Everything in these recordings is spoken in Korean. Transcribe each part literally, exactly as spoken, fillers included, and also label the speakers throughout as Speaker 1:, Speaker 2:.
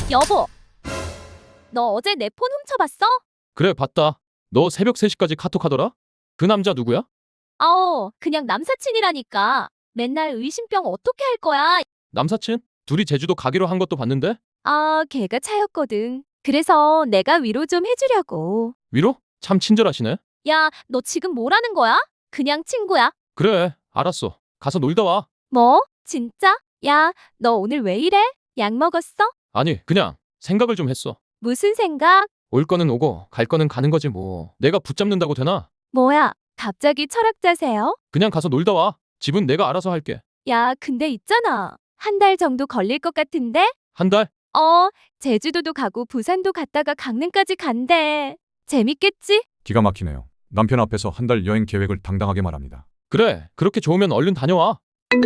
Speaker 1: 여보, 너 어제 내 폰 훔쳐봤어?
Speaker 2: 그래, 봤다. 너 새벽 세 시까지 카톡하더라? 그 남자 누구야?
Speaker 1: 아오, 그냥 남사친이라니까. 맨날 의심병 어떻게 할 거야?
Speaker 2: 남사친? 둘이 제주도 가기로 한 것도 봤는데?
Speaker 1: 아, 걔가 차였거든. 그래서 내가 위로 좀 해주려고.
Speaker 2: 위로? 참 친절하시네.
Speaker 1: 야, 너 지금 뭐라는 거야? 그냥 친구야.
Speaker 2: 그래, 알았어. 가서 놀다 와.
Speaker 1: 뭐? 진짜? 야, 너 오늘 왜 이래? 약 먹었어?
Speaker 2: 아니, 그냥 생각을 좀 했어.
Speaker 1: 무슨 생각?
Speaker 2: 올 거는 오고 갈 거는 가는 거지 뭐. 내가 붙잡는다고 되나?
Speaker 1: 뭐야, 갑자기 철학자세요?
Speaker 2: 그냥 가서 놀다 와. 집은 내가 알아서 할게.
Speaker 1: 야, 근데 있잖아. 한 달 정도 걸릴 것 같은데?
Speaker 2: 한 달?
Speaker 1: 어, 제주도도 가고 부산도 갔다가 강릉까지 간대. 재밌겠지?
Speaker 3: 기가 막히네요. 남편 앞에서 한 달 여행 계획을 당당하게 말합니다.
Speaker 2: 그래, 그렇게 좋으면 얼른 다녀와.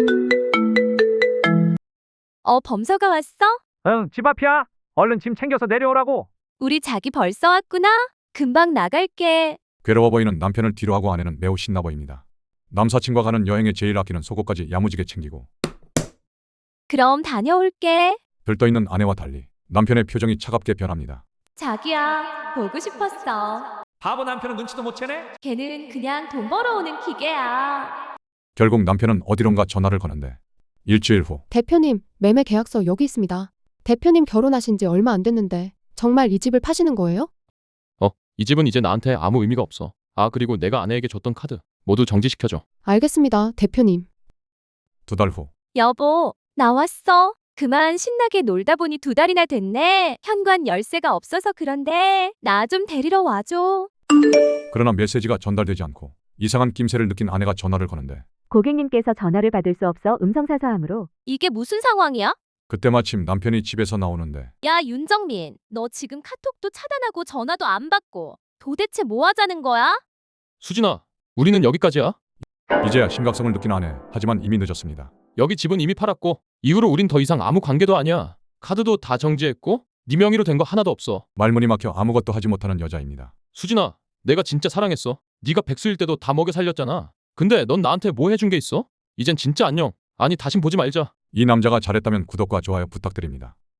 Speaker 1: 어, 범서가 왔어?
Speaker 4: 응, 집 앞이야. 얼른 짐 챙겨서 내려오라고.
Speaker 1: 우리 자기 벌써 왔구나? 금방 나갈게.
Speaker 3: 괴로워 보이는 남편을 뒤로하고 아내는 매우 신나 보입니다. 남사친과 가는 여행에 제일 아끼는 속옷까지 야무지게 챙기고
Speaker 1: 그럼 다녀올게.
Speaker 3: 들떠있는 아내와 달리 남편의 표정이 차갑게 변합니다.
Speaker 1: 자기야, 보고 싶었어.
Speaker 4: 바보 남편은 눈치도 못 채네.
Speaker 1: 걔는 그냥 돈 벌어오는 기계야.
Speaker 3: 결국 남편은 어디론가 전화를 거는데 일주일 후
Speaker 5: 대표님, 매매 계약서 여기 있습니다. 대표님 결혼하신 지 얼마 안 됐는데 정말 이 집을 파시는 거예요?
Speaker 2: 어, 이 집은 이제 나한테 아무 의미가 없어. 아, 그리고 내가 아내에게 줬던 카드 모두 정지시켜줘.
Speaker 5: 알겠습니다, 대표님.
Speaker 3: 두 달 후
Speaker 1: 여보, 나왔어. 그만 신나게 놀다 보니 두 달이나 됐네. 현관 열쇠가 없어서 그런데 나 좀 데리러 와줘.
Speaker 3: 그러나 메시지가 전달되지 않고 이상한 낌새를 느낀 아내가 전화를 거는데
Speaker 6: 고객님께서 전화를 받을 수 없어 음성사서함으로
Speaker 1: 이게 무슨 상황이야?
Speaker 3: 그때 마침 남편이 집에서 나오는데
Speaker 1: 야, 윤정민, 너 지금 카톡도 차단하고 전화도 안 받고 도대체 뭐 하자는 거야?
Speaker 2: 수진아, 우리는 여기까지야.
Speaker 3: 이제야 심각성을 느낀 아내. 하지만 이미 늦었습니다.
Speaker 2: 여기 집은 이미 팔았고 이후로 우린 더 이상 아무 관계도 아니야. 카드도 다 정지했고 네 명의로 된 거 하나도 없어.
Speaker 3: 말문이 막혀 아무것도 하지 못하는 여자입니다.
Speaker 2: 수진아, 내가 진짜 사랑했어. 네가 백수일 때도 다 먹여 살렸잖아. 근데 넌 나한테 뭐 해준 게 있어? 이젠 진짜 안녕. 아니, 다신 보지 말자.
Speaker 3: 이 남자가 잘했다면 구독과 좋아요 부탁드립니다.